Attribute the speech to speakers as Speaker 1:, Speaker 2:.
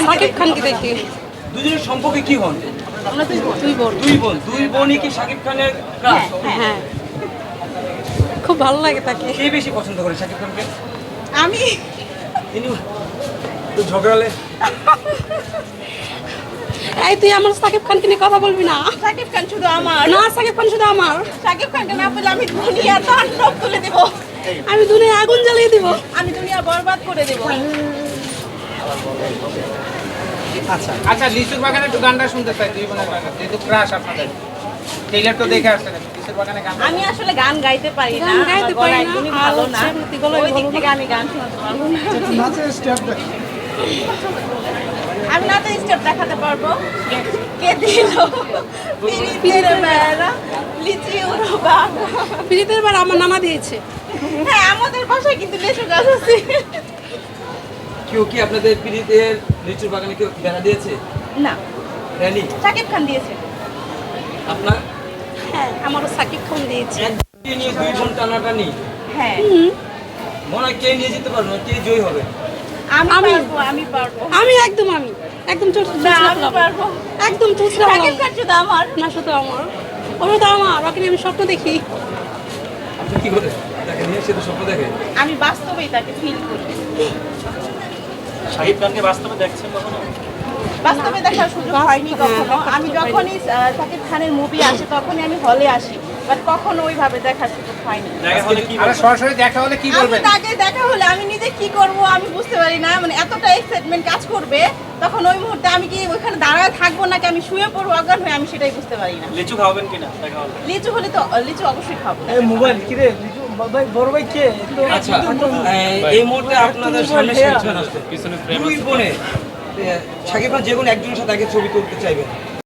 Speaker 1: শাকিব খানকে দেখি।
Speaker 2: দুজনের সম্পর্কে কি হন?
Speaker 1: আমরা দুই বোন।
Speaker 2: দুই বোনই কি শাকিব খানের ক্রাশ?
Speaker 1: হ্যাঁ, খুব ভালো লাগে তাকে।
Speaker 2: কে বেশি পছন্দ করে শাকিব খানকে?
Speaker 1: আমি
Speaker 2: তিনি তো ঝগড়ালে।
Speaker 1: এই তুই আমার শাকিব খানকে নিয়ে কথা বলবি না।
Speaker 3: শাকিব খান শুধু আমার
Speaker 1: না, শাকিব খান শুধু আমার।
Speaker 3: শাকিব খানকে না পেলে আমি দুনিয়া তাণ্ডব তুলে দেব,
Speaker 1: আমি দুনিয়ায় আগুন জ্বালিয়ে দিব।
Speaker 3: আমি দুনিয়া বরবাদ করে দেব।
Speaker 2: আচ্ছা
Speaker 4: আচ্ছা, লিচুর বাগানে একটু গানটা শুনতে চাই, দুই বোনের গান, যেহেতু ক্রাশ আপনাদের। ট্রেইলার তো দেখে আসছেন, লিচুর বাগানে গান।
Speaker 3: আমি আসলে গান গাইতে পারি না,
Speaker 1: গান গাইতে
Speaker 3: আমার গলা
Speaker 1: পারি না,
Speaker 3: একদমই
Speaker 1: আর
Speaker 3: ভালো না,
Speaker 1: হচ্ছে গলায়
Speaker 3: ওই দিক
Speaker 1: ভালো
Speaker 3: থেকে আমি গান শোনাতে পারবো না। আমি নাচের স্টেপ দেখাতে পারবো। কে দিল পিরিতের বেড়া লিচি উড়ো বাবা।
Speaker 1: পিড়িতের বার আমার নানা দিয়েছে।
Speaker 3: হ্যাঁ, আমাদের বাসায় কিন্তু লেচু গাছ আছে।
Speaker 2: কেউ কি আপনাদের পিড়িতের লিচুর বাগানে কেউ বেড়া দিয়েছে?
Speaker 3: না,
Speaker 2: র্যালি
Speaker 3: শাকিব খান দিয়েছে।
Speaker 2: আপনার
Speaker 1: হ্যাঁ, আমারও শাকিব খান দিয়েছে।
Speaker 2: একদিকে নিয়ে দুই বোন টানাটানি,
Speaker 3: হ্যাঁ,
Speaker 2: মনে হয় কে নিয়ে যেতে পারবে না, কে জয়ী হবে?
Speaker 3: আমি পারবো।
Speaker 1: আমি একদম
Speaker 3: না, আমি পারবো।
Speaker 1: একদম চুচরা
Speaker 3: শাকিব খান শুধু আমার।
Speaker 1: না, শুধু আমার। ওরা তো আমার, ওকে নিয়ে আমি স্বপ্ন দেখি।
Speaker 2: আপনি কি করে তাকে নিয়ে সে তো স্বপ্ন দেখে?
Speaker 3: আমি বাস্তবেই তাকে ফিল করি।
Speaker 5: শাহিদ খানকে বাস্তবে দেখছেন কখনো?
Speaker 3: বাস্তবে দেখার সুযোগ হয়নি কখনো। আমি যখনই শাকিব খানের মুভি আসে তখনই আমি হলে আসি, বাট কখনো ওইভাবে দেখার সুযোগ হয়নি।
Speaker 5: দেখা হলে কি
Speaker 4: আরে সরাসরি দেখা হলে কি
Speaker 3: আমি
Speaker 4: বলবেন?
Speaker 3: তাকে দেখা হলে আমি নিজে কি করব আমি বুঝতে পারি না, মানে এতটা এক্সাইটমেন্ট কাজ করবে তখন ওই মুহূর্তে আমি কি ওইখানে দাঁড়ায় থাকবো নাকি আমি শুয়ে পড়বো অজ্ঞান হয়ে, আমি সেটাই বুঝতে পারি না।
Speaker 5: লিচু খাওয়াবেন কিনা দেখা হলে?
Speaker 3: লিচু হলে তো লিচু অবশ্যই খাবো।
Speaker 6: মোবাইল কি রে ভাই, বড় ভাই কে?
Speaker 2: আচ্ছা এই মুহূর্তে আপনাদের সামনে শেষ আসছে
Speaker 5: পিছনে
Speaker 2: দুই বোনে শাকিব খান যে কোনো একজনের সাথে আগে ছবি তুলতে চাইবেন,